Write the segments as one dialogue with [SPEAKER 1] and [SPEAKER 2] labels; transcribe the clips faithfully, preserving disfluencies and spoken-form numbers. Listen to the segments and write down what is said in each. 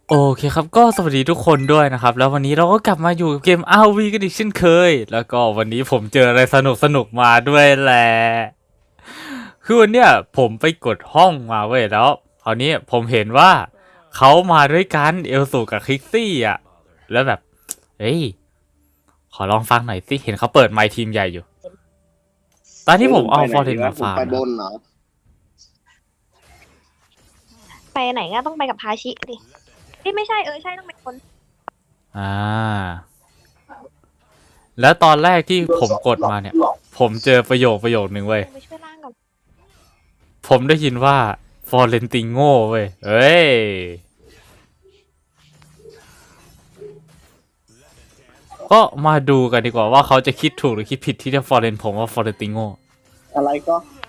[SPEAKER 1] โอเคครับก็สวัสดีทุกคนด้วยนะครับแล้ววันนี้เราก็กลับมาอยู่เกม อาร์ วี กันอีกเช่นเคยแล้วก็วันนี้ผมเจออะไรสนุกสนุกมาด้วยแหละคือวันเนี้ยผมไปกดห้องมาเว้ยแล้วคราวนี้ผมเห็นว่าเขามาด้วยกันเอลสูกับคริกซี่อ่ะแล้วแบบเฮ้ยขอลองฟังหน่อยสิเห็นเขาเปิดไมค์ทีมใหญ่อยู่ตอนที่ผมเอาฟอร์เรนมาฟาร์ม
[SPEAKER 2] ไปบ
[SPEAKER 1] นะ
[SPEAKER 2] นเหรอ
[SPEAKER 3] ไปไหนก็ต้องไปกับทาชิดิเอ้ยไม่ใช่เออใช่ต้องเป็นคน
[SPEAKER 1] อ่าแล้วตอนแรกที่ผมกดมาเนี่ย ผมเจอประโยคประโยคนึงเว้ย
[SPEAKER 3] ไปช่วยล่างก่อน
[SPEAKER 1] ผมได้ยินว่าฟอร์เรนติโง่เว้ยเอ้ย ก็มาดูกันดีกว่าว่าเขาจะคิดถูกหรือคิดผิดที่จะฟอร์เรนผมว่าฟอร์เรนติโง่
[SPEAKER 2] อะไรก็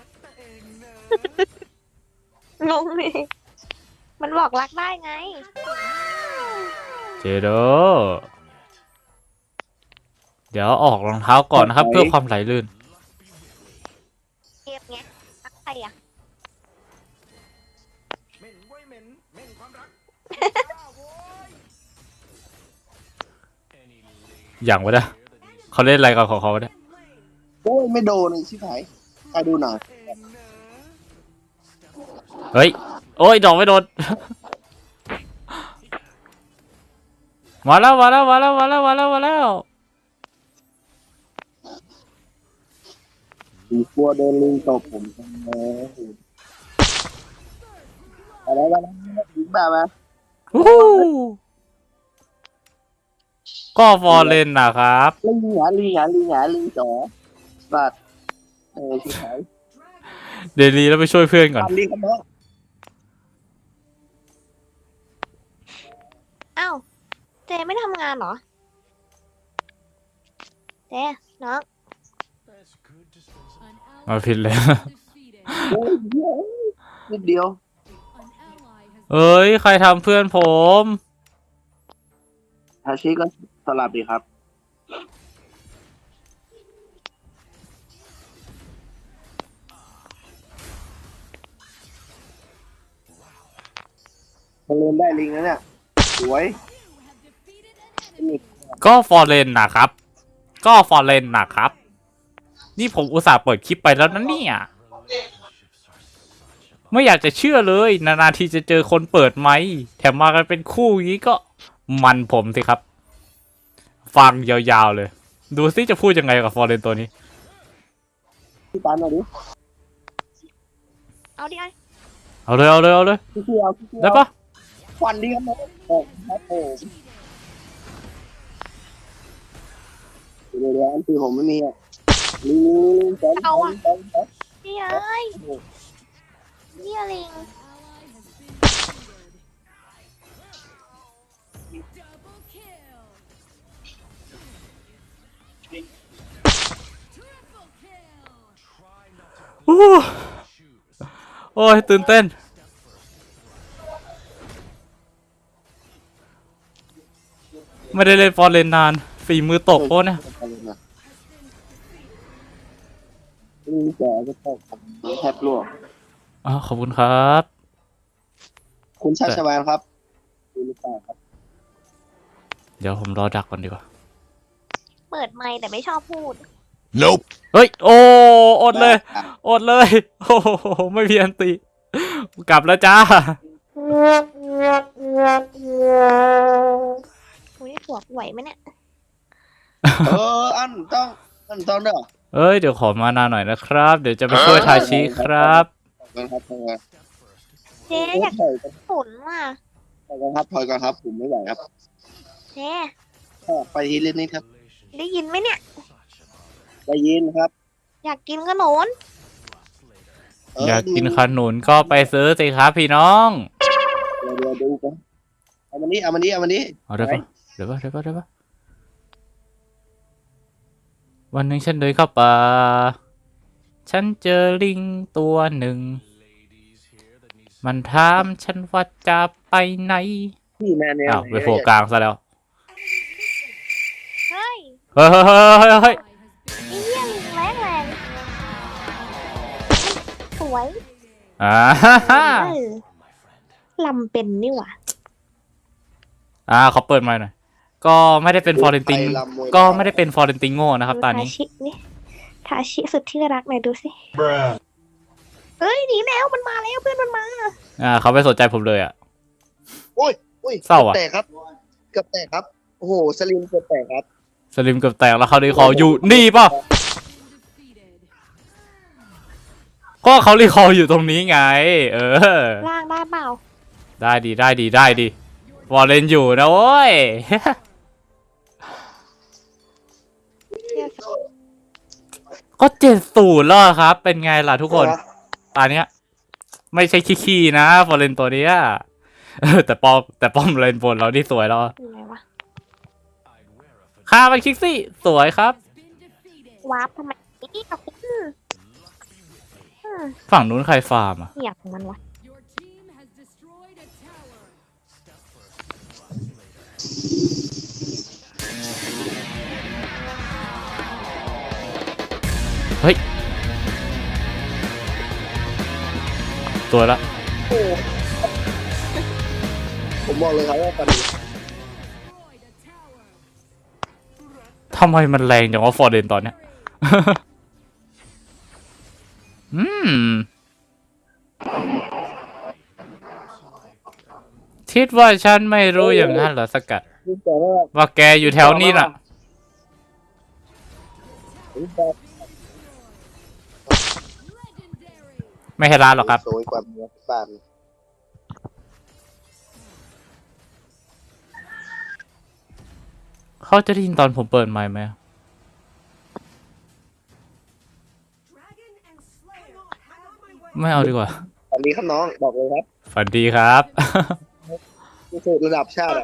[SPEAKER 3] งงเลยมันบอกรักได้ไง
[SPEAKER 1] เจโดเดี๋ยวออกรองเท้าก่อนนะครับ เพื่อความไหลลื่น
[SPEAKER 3] เกมเนี้ยรักใครอ่ะ
[SPEAKER 1] อย่างวะเนี่ยเขาเล่นอะไรกันของเขาเนี่ย
[SPEAKER 2] โอ้ยไม่โดนเลยชิบหายใครดูหน่อย
[SPEAKER 1] เฮ้ย โอ้ยดอกไม่โดน มาแล้วมาแล้วมาแล้วมาแล้วมาแล้วมาแล้ว
[SPEAKER 2] สีกลัวโดนลิงตบผมทำไมอะไรบ้างถึงแบบว่า
[SPEAKER 1] วู้ฮู้ก็ฟอร์เรนนะครับ
[SPEAKER 2] ลิงหงาลิงหงาลิงหงาลิงจ๋อสัตว์เออชิบหาย
[SPEAKER 1] เดลีแล้วไปช่วยเพื่อนก่อน
[SPEAKER 2] ทำดีครับน้อง
[SPEAKER 3] อ้าวเจไม่ทำงานเหรอเจน้อง
[SPEAKER 1] มาผิดเลย
[SPEAKER 2] โอ้ยเหี้ยนิดเดียว
[SPEAKER 1] เอ้ย ใครทำเพื่อนผม
[SPEAKER 2] ทาชิก็สลับดีครับมันเล่นได้ลิงแล้วเนี่ยสวย
[SPEAKER 1] ก็ฟอร์เรนนะครับ ก็ฟอร์เรนนะครับ นี่ผมอุตส่าห์เปิดคลิปไปแล้วนะเนี่ย ไม่อยากจะเชื่อเลย นานๆทีจะเจอคนเปิดไมค์แถมมากันเป็นคู่อย่างนี้ก็มันผมสิครับ ฟังยาวๆเลย ดูซิจะพูดยังไงกับฟอร์เรนตัวนี้
[SPEAKER 2] พี่ปานมาดิ
[SPEAKER 3] เอาดิไอ้
[SPEAKER 1] เอาเลยเอาเลยเอาเลย
[SPEAKER 2] พี่เที่ยวพี่เที่ยว
[SPEAKER 1] ได้ปะ
[SPEAKER 2] ควันดีครับน้องโอ้ครับผมเดี๋ยวเดี๋ยวอันที่ผมไม่มีอ่ะลิงลิงสองสองสองสอง
[SPEAKER 3] นี่เอ้ยนี่ลิง
[SPEAKER 1] โอ้โอ้ยตื่นเต้น ไม่ได้เล่นฟอร์เรนนานฝีมือตกโอ้เนี่ย
[SPEAKER 2] ลิงแก่ก็ตกแทบร่วง
[SPEAKER 1] อ๋อขอบคุณครับ
[SPEAKER 2] คุณชาชวานครับดูหรือเปล่าครับ
[SPEAKER 1] เดี๋ยวผมรอดักก่อนดีกว่า
[SPEAKER 3] เปิดไมค์แต่ไม่ชอบพูด
[SPEAKER 1] nope เฮ้ย โอ้อดเลย อดเลย โอ้โหไม่มีอันตีกลับแล้วจ้า
[SPEAKER 3] อุ้ยหัวไหวไหมเนี่ย
[SPEAKER 2] เอออันต้องอันต้องเด้อ
[SPEAKER 1] เอ้ย เดี๋ยวขอมานาหน่อยนะครับ เดี๋ยวจะไปช่วยทาชิครับ
[SPEAKER 2] ถอยกันครับถอยกัน
[SPEAKER 3] เจอยาก
[SPEAKER 2] ถอยกัน
[SPEAKER 3] ฝนว่ะ
[SPEAKER 2] ถอยกันครับถอยกันครับผมไม่ไหวครับ
[SPEAKER 3] เจ
[SPEAKER 2] ออกไปทีเล่นนี้ครับ
[SPEAKER 3] ได้ยินไหมเนี่ย
[SPEAKER 2] ได้ยินครับ
[SPEAKER 3] อยากกินขนม
[SPEAKER 2] เ
[SPEAKER 1] อยากกินขนุนก็ไปซื้อสิครับพี่น้อง
[SPEAKER 2] เดี๋ยวเดี๋ยวดูกันเอามันนี้เอามันนี้เอามันนี้
[SPEAKER 1] เอาได้ปะเดี๋ยวปะเดี๋ยวปะเดี๋ยวปะวันหนึ่งฉันเดินเข้าป่า ฉันเจอลิงตัวหนึ่ง มันถามฉันว่าจะไปไหน
[SPEAKER 2] พี่แมนเนี่ย
[SPEAKER 1] อ้าวไปโผล่กลางซะแล้ว
[SPEAKER 3] เฮ้ย
[SPEAKER 1] เฮ้ยเฮ้ยเฮ้ยเฮ้ย
[SPEAKER 3] ไอ้เหี้ยลิงแรงแรงสวย
[SPEAKER 1] อ่าฮ่าฮ่า
[SPEAKER 3] เออลำเป็นนี่หว่า
[SPEAKER 1] อ่าเขาเปิดมาหน่อยก็ไม่ได้เป็นฟอร์เรนติงก็ไม่ได้เป็นฟอร์เรนติงโง่นะครับตอนนี้
[SPEAKER 3] ทาชินี่ทาชิสุดที่รักหน่อยดูสิเอ้ยหนีแล้วมันมาแล้วเพื่อนมันมา
[SPEAKER 1] อ่าเขาไม่สนใจผมเลยอ่ะ
[SPEAKER 2] โอ้ยโอ้ย
[SPEAKER 1] เศร้าอะ
[SPEAKER 2] แตกครับเกือบแตกครับโอ้โหสลิมเกือบแตกครับ
[SPEAKER 1] สลิมเกือบแตกแล้วเขาดีคออยู่นี่ป่ะก็เขารีคออยู่ตรงนี้ไง เออ
[SPEAKER 3] ล่างได้เปล่า
[SPEAKER 1] ได้ดีได้ดีได้ดีฟอร์เรนอยู่นะโว้ย ก็เจ็ดศูนย์แล้วครับ เป็นไงล่ะทุกคนตอนเนี้ย ไม่ใช่ขี้ๆนะฟอร์เรนตัวเนี้ยเออแต่ป้อมแต่ป้อมเลนบนเราที่สวยแล้ว
[SPEAKER 3] อยู่ไหนวะ
[SPEAKER 1] ฆ่ามันคิกซี่สวยครับ
[SPEAKER 3] วาร์ปทำไมนี่กับอืมอืม
[SPEAKER 1] ฝั่งนู้นใครฟาร์มอ่ะ
[SPEAKER 3] อยากของมันวะ
[SPEAKER 1] เฮ้ยสวยละ
[SPEAKER 2] โอ้ผมบอกเลยครับว่าตอนนี้
[SPEAKER 1] ทำไมมันแรงจังวะฟอร์เรนตอนเนี้ย อืมคิดว่าฉันไม่รู้อย่างนั้นเหรอสกัด
[SPEAKER 2] รู้แต่ว่า
[SPEAKER 1] ว่าแกอยู่แถวนี้น่ะ
[SPEAKER 2] รู้แต่
[SPEAKER 1] ไม่ให้ร้านหรอกครับ
[SPEAKER 2] สวยกว่าเมียบ้าน
[SPEAKER 1] เขาจะได้ยินตอนผมเปิดไมค์ไหมไม่เอาดีกว่า
[SPEAKER 2] ตอนนี้ครับน้องบอกเลยครับ
[SPEAKER 1] ฝันดีครับ
[SPEAKER 2] ที่สุดระดับชาติอะ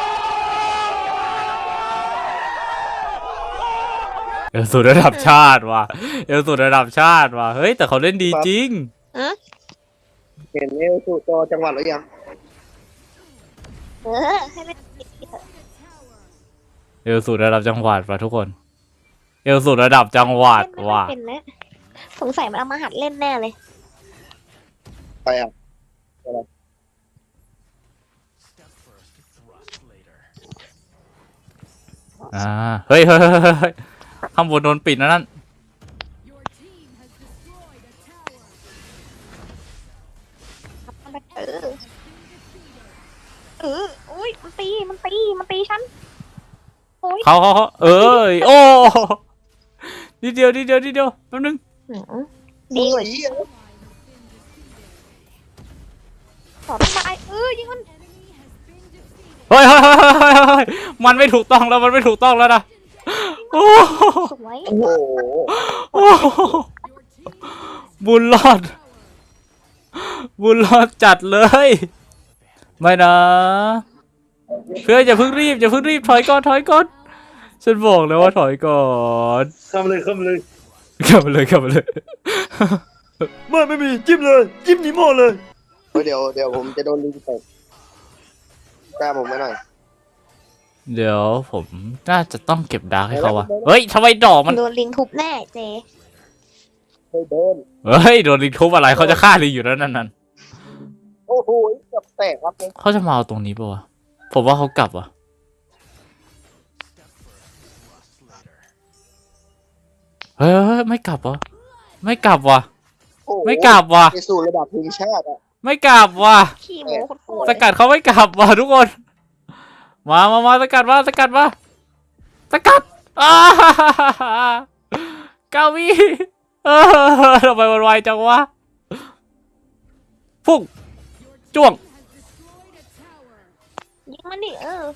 [SPEAKER 1] เอลสูตรระดับชาติว่ะเอลสูตรระดับชาติว่ะเฮ้ยแต่เขาเล่นดีจริง
[SPEAKER 3] อืม
[SPEAKER 2] เห็นเอลสูจอจังหวัดหรือยัง
[SPEAKER 3] เออให้เล่นอีกทีเถอะ
[SPEAKER 1] เอลสูตรระดับจังหวัดว่ะทุกคน เอลสูตรระดับจังหวัด
[SPEAKER 3] เล่นไม่ค่อ
[SPEAKER 1] ว่ะ
[SPEAKER 3] ยเป็นนะสงสัยมันเอามาหัดเล่นแน่เลย
[SPEAKER 2] ไปอ่ะ
[SPEAKER 1] อ่าเฮ้ยเฮ้ยเฮ้ยเฮ้ยเฮ้ยข้างบนโดนปิดนะนั่น
[SPEAKER 3] เออเอออุ้ยมันตีมันตีมันตีฉันโอ้ย
[SPEAKER 1] เขาเขาเขาเอ้ยโอ้นิดเดียวนิดเดียวนิดเดียวแป๊บนึง
[SPEAKER 3] หืมดีกว่า
[SPEAKER 2] โอ้ย
[SPEAKER 3] ขอต้นไม้เออยิงมัน
[SPEAKER 1] เฮ้ยเฮ้ยเฮ้ยเฮ้ยเฮ้ยเฮ้ยมันไม่ถูกต้องแล้วมันไม่ถูกต้องแล้วนะโอ้
[SPEAKER 3] สวย
[SPEAKER 2] โอ้โห
[SPEAKER 1] โอ้บุญรอด บุญรอดจัดเลย ไม่นะเพื่อนอย่าเพิ่งรีบอย่าเพิ่งรีบถอยก่อนถอยก่อนฉันบอกแล้วว่าถอยก่อน
[SPEAKER 2] เข้ามาเลยเข้ามาเลย
[SPEAKER 1] กลับมาเลยกลับมาเลย
[SPEAKER 4] ไม่ไม่มีจิ้มเลยจิ้มนิโม่เลย
[SPEAKER 2] เฮ้ยเดี๋ยวเดี๋ยวผมจะโดนลิงตกกล้าผมไม่หน่อย
[SPEAKER 1] เดี๋ยวผมน่าจะต้องเก็บดาร์กให้เขาวะเฮ้ยทำไมดอกมัน
[SPEAKER 3] โดนลิงทุบแน่เจ
[SPEAKER 2] เฮ้ยโดน
[SPEAKER 1] เฮ้ยโดนลิงทุบอะไรเขาจะฆ่าลิงอยู่แล้วนั่นนั่น
[SPEAKER 2] โอ้โหเกือบแตกครับ
[SPEAKER 1] เขาจะมาเอาตรงนี้ปะวะผมว่าเขากลับวะเฮ้ยเฮ้ยไม่กลับวะไม่กลับวะ
[SPEAKER 2] โอ้โห
[SPEAKER 1] ไม่กลับวะ
[SPEAKER 2] ไปสู่ระดับทีมชาติอ่ะ
[SPEAKER 1] ไม่กลับวะ
[SPEAKER 3] ขี้หมูโคตร
[SPEAKER 1] สกัดเขาไม่กลับวะทุกคน มามามาสกัดมาสกัดมาสกัดอ้าเก้าวิเออทำไมมันไวจังวะพุ่งจ้วง
[SPEAKER 3] ยิงมันดิเออ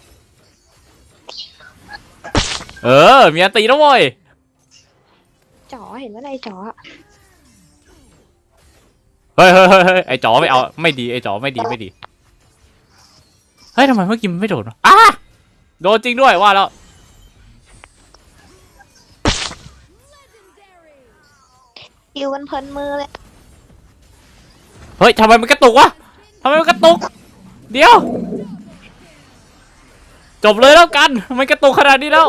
[SPEAKER 1] เออมีอันตีแล้วเว้ย
[SPEAKER 3] จ๋อเห็นว่าอะไรจ๋อ
[SPEAKER 1] เฮ้ยเฮ้ยเฮ้ยเฮ้ยไอจ๋อไม่เอาไม่ดีไอจ๋อไม่ดีไม่ดีเฮ้ยทำไมเมื่อกี้มันไม่โดนวะอ้าโดนจริงด้วยว่าแล้ว
[SPEAKER 3] ยิวกันเพลินมือเลย
[SPEAKER 1] เฮ้ยทำไมมันกระตุกวะทำไมมันกระตุกเดี๋ยวจบเลยแล้วกันทำไมกระตุกขนาดนี้แล้ว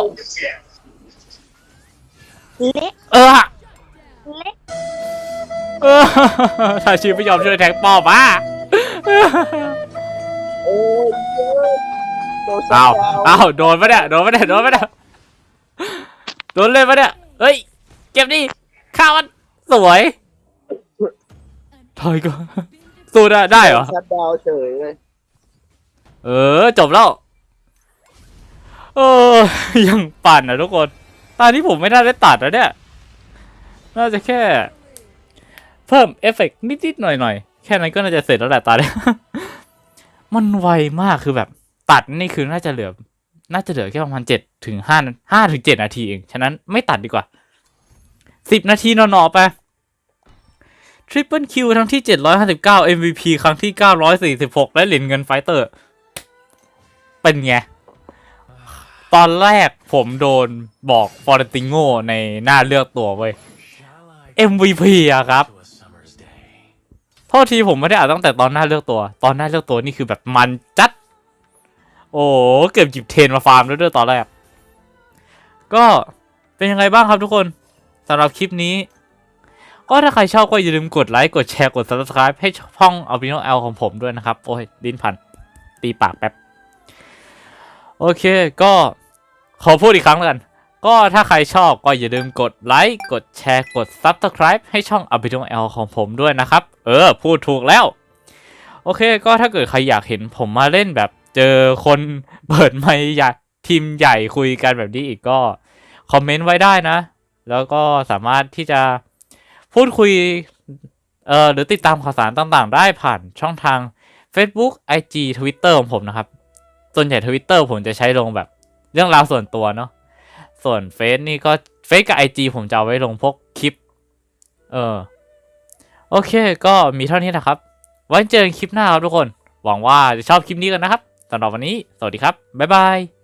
[SPEAKER 3] เละ
[SPEAKER 1] เออ
[SPEAKER 3] เละ
[SPEAKER 1] เออถ้าชีไม่ยอมช่วยแทงป้อมอ่ะ
[SPEAKER 2] โอ้ยโดน
[SPEAKER 1] อ้าว
[SPEAKER 2] ซัดด
[SPEAKER 1] อ้าวโดนปะเนี่ยโดนปะเนี่ยโดนปะเนี่ยโดนเลยปะเนี่ยเฮ้ยเก็บดิข้ามันสวยถอยก่อนสู้ได้ได้เหรอ
[SPEAKER 2] ซัดดาวเฉยเลย
[SPEAKER 1] เออจบแล้วเออยังปั่นอ่ะทุกคนตอนนี้ผมไม่น่าได้ตัดแล้วเนี่ยน่าจะแค่ เพิ่มเอฟเฟกต์นิดๆหน่อยๆแค่นั้นก็น่าจะเสร็จแล้วแหละตอนนี้ มันไวมากคือแบบตัดนี่คือน่าจะเหลือ น่าจะเหลือแค่ประมาณเจ็ดถึงห้าห้าถึงเจ็ดนาทีเองฉะนั้นไม่ตัดดีกว่าสิบนาทีนอนๆไปทริปเปิลคิวครั้งที่เจ็ดร้อยห้าสิบเก้า เอ็ม วี พี ครั้งที่เก้าร้อยสี่สิบหกและเหรียญเงินไฟเตอร์เป็นไงตอนแรกผมโดนบอกฟอร์ติโงในหน้าเลือกตัวเว้ย เอ็ม วี พี อะครับโทษทีผมไม่ได้อ่านตั้งแต่ตอนหน้าเลือกตัวตอนหน้าเลือกตัวนี่คือแบบมันจัดโอ้เกือบหยิบเทรนมาฟาร์มแล้วด้วยตอนแรกก็เป็นยังไงบ้างครับทุกคนสำหรับคลิปนี้ก็ถ้าใครชอบก็อย่าลืมกดไลค์กดแชร์กด ซับสไครบ์ ให้ช่อง Albino L ของผมด้วยนะครับโอ้ยลิ้นพันตีปากแป๊บโอเคก็ขอพูดอีกครั้งแล้วกันก็ถ้าใครชอบก็อย่าลืมกดไลค์กดแชร์กด ซับสไครบ์ ให้ช่อง Albino L ของผมด้วยนะครับเออพูดถูกแล้วโอเคก็ถ้าเกิดใครอยากเห็นผมมาเล่นแบบเจอคนเปิดไมค์ใหญ่ทีมใหญ่คุยกันแบบนี้อีกก็คอมเมนต์ไว้ได้นะแล้วก็สามารถที่จะพูดคุยเอ่อหรือติดตามข่าวสารต่างๆได้ผ่านช่องทาง Facebook ไอ จี Twitter ของผมนะครับส่วนใหญ่ Twitter ผมจะใช้ลงแบบเรื่องราวส่วนตัวเนาะส่วนเฟซนี่ก็เฟซกับ ไอ จี ผมจะเอาไว้ลงพวกคลิปเออโอเคก็มีเท่านี้นะครับไว้เจอกันคลิปหน้าครับทุกคนหวังว่าจะชอบคลิปนี้กันนะครับสำหรับวันนี้สวัสดีครับบ๊ายบาย